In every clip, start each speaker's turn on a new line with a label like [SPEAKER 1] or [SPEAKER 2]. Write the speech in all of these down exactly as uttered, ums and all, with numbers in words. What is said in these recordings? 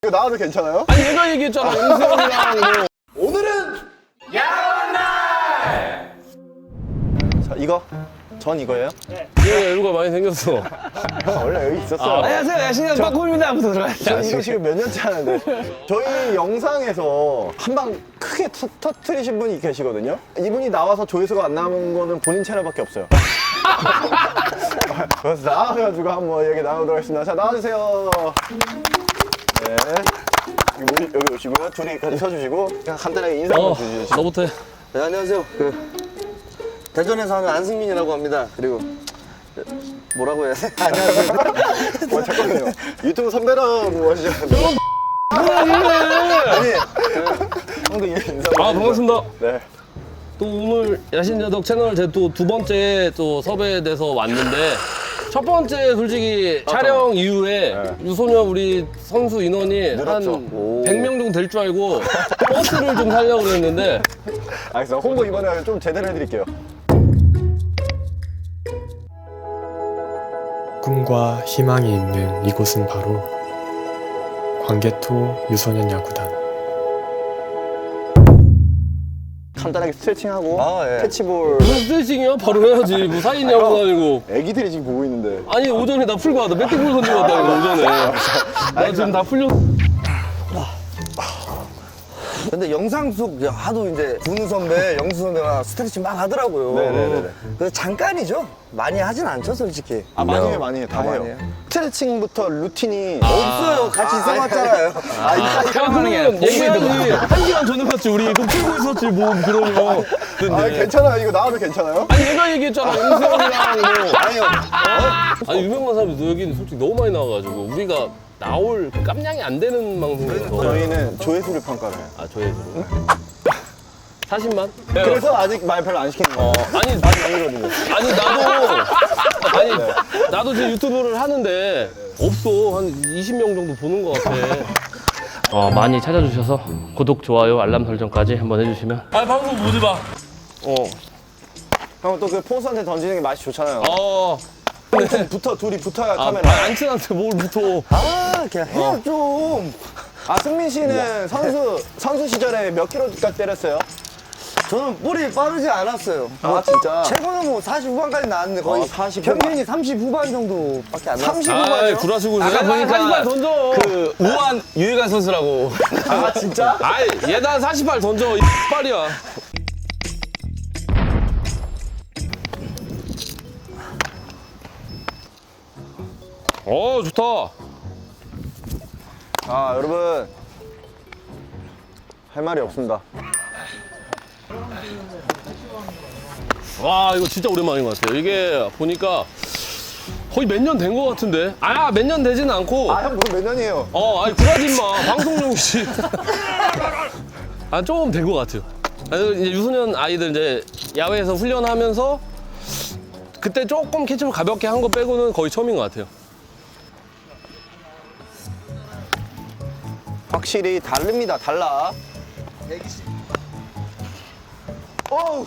[SPEAKER 1] 이거 나와도 괜찮아요?
[SPEAKER 2] 아니 얘가 얘기했잖아. 영수형이랑 뭐.
[SPEAKER 1] 오늘은 야간 날! 자, 이거? 전 이거예요?
[SPEAKER 2] 얘가 여유가 많이 생겼어.
[SPEAKER 1] 아, 원래 여기 있었어요.
[SPEAKER 2] 아,
[SPEAKER 3] 안녕하세요. 야신형 빠꾸입니다. 부터 들어가시죠.
[SPEAKER 1] 저 이거 지금 몇 년째 하는데 저희 영상에서 한 방 크게 터, 터트리신 분이 계시거든요. 이분이 나와서 조회수가 안 나오는 거는 본인 채널밖에 없어요. 그래서 나와가지고 한번 얘기 나누도록 하겠습니다. 자, 나와주세요. 네. 여기, 모시- 여기 오시고요. 둘이 같이 서주시고 그냥 간단하게 인사 한번
[SPEAKER 2] 어,
[SPEAKER 1] 주시죠.
[SPEAKER 2] 너부터 해.
[SPEAKER 3] 네, 안녕하세요. 그 대전에서 하는 안승민이라고 합니다. 그리고 뭐라고 해야 돼? 안녕하세요.
[SPEAKER 1] 어, 잠깐만요. 유튜브 선배라고 하시잖아요. 아니, 형도 인사
[SPEAKER 2] 아 반갑습니다.
[SPEAKER 1] 네.
[SPEAKER 2] 또 오늘 야신야덕 채널 제 또 두 번째 또 섭외돼서 왔는데 첫 번째 솔직히 촬영 이후에
[SPEAKER 1] 네.
[SPEAKER 2] 유소년 우리 선수 인원이
[SPEAKER 1] 늘었죠.
[SPEAKER 2] 한
[SPEAKER 1] 오.
[SPEAKER 2] 백 명 정도 될 줄 알고 버스를 좀 살려고 그랬는데
[SPEAKER 1] 알겠어. 홍보 이번에 좀 제대로 해드릴게요.
[SPEAKER 4] 꿈과 희망이 있는 이곳은 바로 광개토 유소년 야구단.
[SPEAKER 1] 간단하게 스트레칭하고
[SPEAKER 3] 아, 예.
[SPEAKER 1] 캐치볼.
[SPEAKER 2] 무슨 스트레칭이야? 바로 해야지. 뭐 사인 야구 아니고.
[SPEAKER 1] 애기들이 지금 보고 있는데.
[SPEAKER 2] 아니 오전에 나 풀고 왔다. 배팅볼 던지고 왔다 이거 오전에. 나 지금 다 풀렸.
[SPEAKER 3] 근데 영상 속 하도 이제 군우 선배, 영수 선배가 스트레칭 막 하더라고요.
[SPEAKER 1] 네네네네.
[SPEAKER 3] 그래서 잠깐이죠. 많이 하진 않죠, 솔직히.
[SPEAKER 1] 아, 많이 해요, 많이 해요. 다
[SPEAKER 3] 아,
[SPEAKER 1] 해요.
[SPEAKER 3] 많이 해요?
[SPEAKER 1] 스트레칭부터 루틴이.
[SPEAKER 3] 없어요. 같이 있어봤잖아요.
[SPEAKER 1] 아, 이따
[SPEAKER 2] 야 그러면 얘기하지. 한 시간 전에 봤지 우리. 그럼 풀고 있었지 뭐 그러면.
[SPEAKER 1] 아, 괜찮아요. 이거 나와도 괜찮아요?
[SPEAKER 2] 아니 얘가 얘기했잖아. 영수형이랑 뭐.
[SPEAKER 3] 아니요.
[SPEAKER 2] 아니 유명한 사람이 여기는 솔직히 너무 많이 나와가지고 우리가 나올 깜냥이 안 되는 방송이라서.
[SPEAKER 1] 저희는 조회수를 평가를 해요.
[SPEAKER 2] 아 조회수로. 사십만?
[SPEAKER 1] 그래서 아직 말 별로 안 시키는 거예요.
[SPEAKER 2] 어 아니
[SPEAKER 1] 아직 아니거든요.
[SPEAKER 2] 아니 나도 아니 나도 지금 유튜브를 하는데 없어 한 이십 명 정도 보는 것 같아. 어 많이 찾아주셔서 구독 좋아요 알람 설정까지 한번 해주시면. 아 방송 보지 마.
[SPEAKER 1] 어. 형 또 그 포수한테 던지는 게 맛이 좋잖아요.
[SPEAKER 2] 어.
[SPEAKER 1] 좀 붙어, 둘이 붙어야
[SPEAKER 2] 아,
[SPEAKER 1] 카메라.
[SPEAKER 2] 안 친한테 뭘 붙어.
[SPEAKER 3] 아, 그냥 해요, 좀.
[SPEAKER 1] 아, 승민 씨는 선수, 선수 시절에 몇 킬로까지 때렸어요?
[SPEAKER 3] 저는 볼이 빠르지 않았어요.
[SPEAKER 1] 아, 진짜?
[SPEAKER 3] 최고는 뭐 사십 후반까지 나왔는데 거의
[SPEAKER 1] 어, 사십 후반.
[SPEAKER 3] 평균이 삼십 후반 정도밖에 안 나왔어요.
[SPEAKER 1] 삼십
[SPEAKER 2] 아
[SPEAKER 1] 후반이요?
[SPEAKER 2] 구라시고
[SPEAKER 5] 아까 보니까
[SPEAKER 2] 사십팔 던져.
[SPEAKER 5] 그 우한 유희관 선수라고.
[SPEAKER 1] 아, 진짜?
[SPEAKER 2] 아이 얘다 사십팔 던져 이 빨이야. 어 좋다.
[SPEAKER 1] 아, 여러분. 할 말이 없습니다.
[SPEAKER 2] 와 이거 진짜 오랜만인 것 같아요. 이게 보니까 거의 몇 년 된 것 같은데. 아 몇 년 되지는 않고.
[SPEAKER 1] 아, 형, 그럼 몇 년이에요?
[SPEAKER 2] 어 아니 구라지 마. 방송용씨. 아 조금 된 것 같아요. 아니, 이제 유소년 아이들 이제 야외에서 훈련하면서 그때 조금 캐치볼 가볍게 한 거 빼고는 거의 처음인 것 같아요.
[SPEAKER 1] 확실히 다릅니다. 달라. 어우.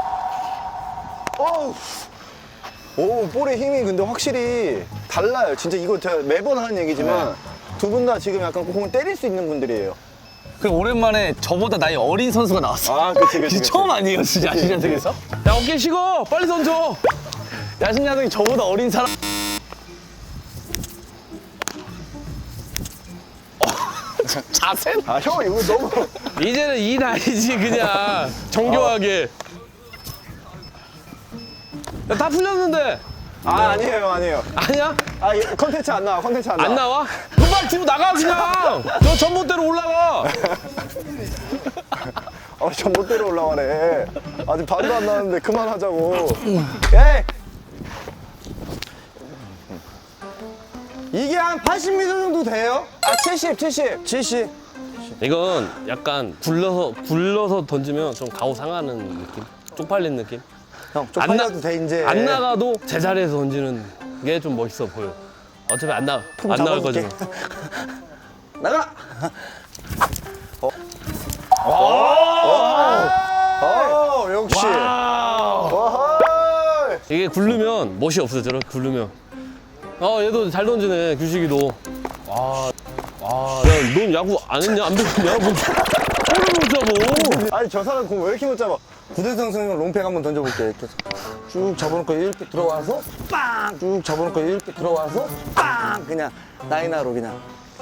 [SPEAKER 1] 어우. 오, 볼의 힘이 근데 확실히 달라요. 진짜 이거 제가 매번 하는 얘기지만 두 분 다 지금 약간 공을 때릴 수 있는 분들이에요.
[SPEAKER 5] 그 오랜만에 저보다 나이 어린 선수가 나왔어.
[SPEAKER 1] 아, 그치, 그치. 그치.
[SPEAKER 5] 처음 아니에요, 진짜 야신야덕에서?
[SPEAKER 2] 야 어깨 식어 빨리 던져.
[SPEAKER 5] 야신야덕이 저보다 어린 사람. 자세?
[SPEAKER 1] 아, 형, 이거 너무.
[SPEAKER 2] 이제는 이 나이지 그냥 정교하게. 야, 다 풀렸는데.
[SPEAKER 1] 아, 아니에요, 아니에요.
[SPEAKER 2] 아니야?
[SPEAKER 1] 아, 이 컨텐츠 안 나와, 컨텐츠 안 나와.
[SPEAKER 2] 안 나와? 그럼 빨리 뒤로 나가 그냥. 저 전봇대로 올라가.
[SPEAKER 1] 아, 전봇대로 올라가네. 아직 반도 안 나왔는데 그만하자고. 에이!
[SPEAKER 3] 이게 한 팔십 미터 정도 돼요?
[SPEAKER 1] 아, 칠십, 칠십.
[SPEAKER 3] 칠십.
[SPEAKER 2] 이건 약간 굴러서 굴러서 던지면 좀 가오 상하는 느낌. 쪽팔린 느낌.
[SPEAKER 3] 형,
[SPEAKER 2] 안 나-
[SPEAKER 3] 쪽팔려도 돼, 이제.
[SPEAKER 2] 안 나가도 제자리에서 던지는 게 좀 멋있어 보여. 어차피 안 나가. 안 나갈
[SPEAKER 3] 잡아줄게.
[SPEAKER 2] 거지만.
[SPEAKER 3] 나가!
[SPEAKER 1] 어, 역시. 와하!
[SPEAKER 2] 이게 굴르면 멋이 없어 저렇게 굴르면. 어 얘도 잘 던지네 규식이도. 와, 와, 넌 야구 안 했냐? 안 배웠냐? 뭐, 볼을 못 잡어.
[SPEAKER 1] 아니 저 사람 공 왜 이렇게 못 잡아?
[SPEAKER 3] 구대성 선생님 롱팩 한번 던져볼게요. 이렇게 해서. 쭉 접어놓고 이렇게 들어와서 빵! 쭉 접어놓고 이렇게 들어와서 빵! 그냥 라이나로 그냥.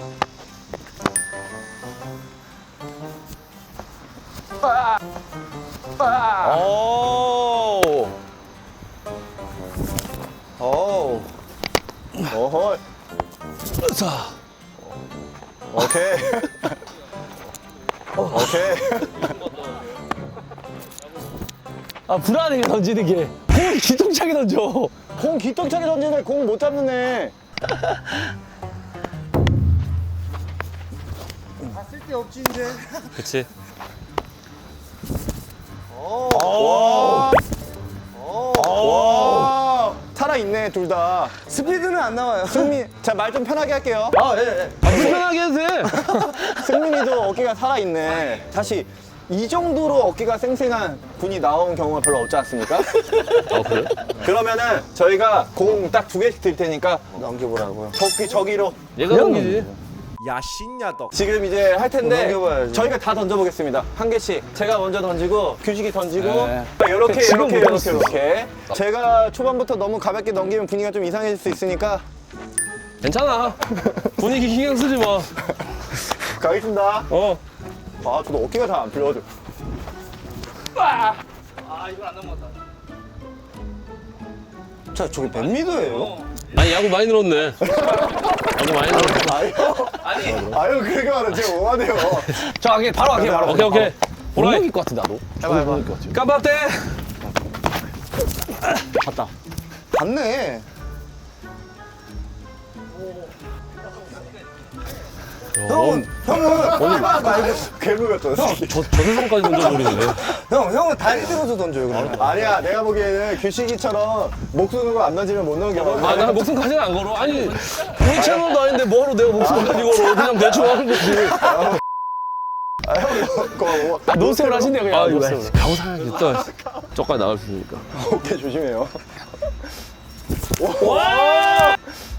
[SPEAKER 5] 오.
[SPEAKER 1] 오. 어허.
[SPEAKER 2] 자,
[SPEAKER 1] 오케이. 오케이.
[SPEAKER 5] 아 불안해 던지는 게. 공 기똥차게 던져.
[SPEAKER 1] 공 기똥차게 던지는데 공 못 잡는 애.
[SPEAKER 2] 그치.
[SPEAKER 1] 와. 와. 살아있네 둘 다.
[SPEAKER 3] 스피드는 안 나와요.
[SPEAKER 1] 승민, 자 말 좀 편하게 할게요.
[SPEAKER 3] 아, 예, 예.
[SPEAKER 2] 아, 불편하게 해도 돼.
[SPEAKER 1] 승민이도 어깨가 살아있네. 사실 이 정도로 어깨가 쌩쌩한 분이 나온 경우가 별로 없지 않습니까?
[SPEAKER 2] 아, 그래?
[SPEAKER 1] 그러면은 저희가 공 딱 두 개씩 드릴 테니까
[SPEAKER 3] 넘겨보라고요.
[SPEAKER 1] 저기 저기로
[SPEAKER 2] 얘가 넘기지.
[SPEAKER 1] 지금 이제 할 텐데
[SPEAKER 3] 넘겨봐야지.
[SPEAKER 1] 저희가 다 던져보겠습니다. 한 개씩. 제가 먼저 던지고 규식이 던지고
[SPEAKER 5] 네.
[SPEAKER 1] 이렇게
[SPEAKER 5] 지금
[SPEAKER 1] 이렇게
[SPEAKER 5] 못
[SPEAKER 1] 이렇게
[SPEAKER 5] 던졌어.
[SPEAKER 1] 이렇게. 제가 초반부터 너무 가볍게 넘기면 분위기가 좀 이상해질 수 있으니까
[SPEAKER 2] 괜찮아. 분위기 신경 쓰지 마.
[SPEAKER 1] 가겠습니다.
[SPEAKER 2] 어.
[SPEAKER 1] 아 저도 어깨가 잘 안 풀려가지고.
[SPEAKER 3] 자, 저기 몇 미터예요?
[SPEAKER 2] 아니, 야구 많이 늘었네. 야구 많이 늘었네.
[SPEAKER 1] 아유, 아유 그렇게 말하면 제가 뭐하네요.
[SPEAKER 5] 저 하게 바로 하게 바로.
[SPEAKER 2] 오케이, 오케이.
[SPEAKER 5] 못
[SPEAKER 2] 보라이.
[SPEAKER 5] 넘길 것 같아 나도.
[SPEAKER 1] 해봐 해봐.
[SPEAKER 2] 깜빡대.
[SPEAKER 3] 봤네.
[SPEAKER 2] 형은,
[SPEAKER 3] 형은,
[SPEAKER 1] 말고 괴물 같잖아.
[SPEAKER 2] 저, 저 세상까지 던져버리네.
[SPEAKER 3] 형, 형은 다리 들어서 던져요, 그러면.
[SPEAKER 1] 아니야 내가 보기에는 규식이처럼 목숨 걸고 안 던지면 못 넘겨.
[SPEAKER 2] 아, 나 목숨까지는 안 걸어. 아니, 우리 채널도 아닌데 뭐하러 내가 목숨까지 걸어. 그냥 대충 하는 거지.
[SPEAKER 1] 아, 형 그거
[SPEAKER 5] 아, 노스를 하신대요 그냥.
[SPEAKER 2] 아, 이거
[SPEAKER 5] 노스를.
[SPEAKER 2] 가고 사야지. 또 저까지 나갈 수 있으니까.
[SPEAKER 1] 어깨 조심해요.
[SPEAKER 2] 와!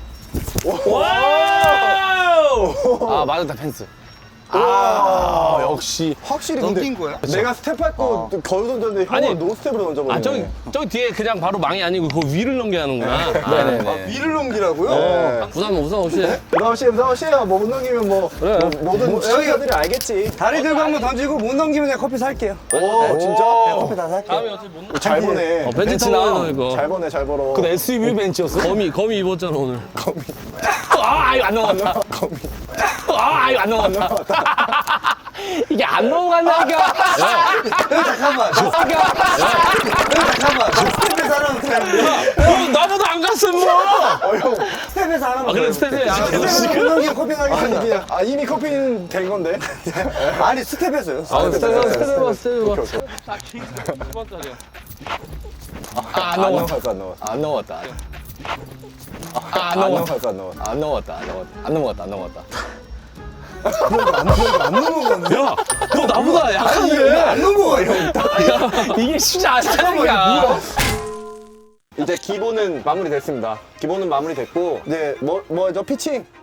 [SPEAKER 5] 아 맞았다 펜스.
[SPEAKER 1] 아
[SPEAKER 5] 역시.
[SPEAKER 1] 확실히 근데
[SPEAKER 3] 넘긴 거야?
[SPEAKER 1] 내가 스텝밟고 거기서 던졌는데 형은
[SPEAKER 2] 아니,
[SPEAKER 1] 노스텝으로 던져버리네.
[SPEAKER 2] 아, 저기, 저기 뒤에 그냥 바로 망이 아니고 그 위를 넘겨야 하는구나.
[SPEAKER 5] 네네네.
[SPEAKER 3] 아, 위를 넘기라고요?
[SPEAKER 1] 네.
[SPEAKER 2] 부담, 부담 없이 해.
[SPEAKER 1] 부담 씨, 부담 씨, 뭐 못 넘기면 뭐,
[SPEAKER 2] 그래.
[SPEAKER 1] 뭐 모든 시청자들이 알겠지.
[SPEAKER 3] 다리 들고 한번 던지고 못 넘기면 내가 커피 살게요.
[SPEAKER 1] 오, 진짜?
[SPEAKER 3] 커피 다 살게요.
[SPEAKER 2] 다음에 어차피 못
[SPEAKER 1] 잘 보네.
[SPEAKER 2] 어, 벤치
[SPEAKER 5] 벤치
[SPEAKER 2] 타고
[SPEAKER 5] 나와.
[SPEAKER 2] 해놔, 이거.
[SPEAKER 1] 잘 보네, 잘 벌어.
[SPEAKER 5] 그 에스유브이 벤치였어?
[SPEAKER 2] 거미, 거미 입었잖아, 오늘.
[SPEAKER 5] 아 이거 안 넘어갔다. 아 이거 안 넘어갔다. 이게 안 넘어간다니까.
[SPEAKER 3] 형, 잠깐만. 형, 잠깐만. 스텝에서 하라면 어떻게 하는데?
[SPEAKER 2] 어, 나보다 안 갔어, 뭐!
[SPEAKER 3] 스텝에서 하라면
[SPEAKER 2] 아, 그래, 스텝에. 아,
[SPEAKER 3] 스텝에서 못 넘기면 커피
[SPEAKER 1] 아니,
[SPEAKER 3] 사겠습니다.
[SPEAKER 1] 그냥, 아, 이미 커피는 된 건데.
[SPEAKER 3] 아니, 스텝에서요.
[SPEAKER 2] 아, 스텝,
[SPEAKER 1] 스텝,
[SPEAKER 2] 스텝 해봐, 스텝 해봐.
[SPEAKER 1] 오케이, 오케이.
[SPEAKER 5] 안
[SPEAKER 1] 안
[SPEAKER 5] 넘어갔다.
[SPEAKER 1] 넘어갔어, 안 넘어갔어.
[SPEAKER 5] 안 넘어갔다.
[SPEAKER 1] 안
[SPEAKER 5] 안 넘어갔다.
[SPEAKER 1] 넘어갔어, 안 넘어갔어.
[SPEAKER 5] 안 넘어갔다. 안 넘어갔다. 안 넘어갔다. 안 넘어갔다.
[SPEAKER 3] 안 넘어갔네.
[SPEAKER 2] 야, 너 나보다
[SPEAKER 3] 이게
[SPEAKER 2] 약한데?
[SPEAKER 3] 안 넘어가, 형.
[SPEAKER 5] 이게 쉽지 않다니까.
[SPEAKER 1] 이제 기본은 마무리됐습니다. 기본은 마무리됐고, 이제 뭐, 뭐, 저 피칭.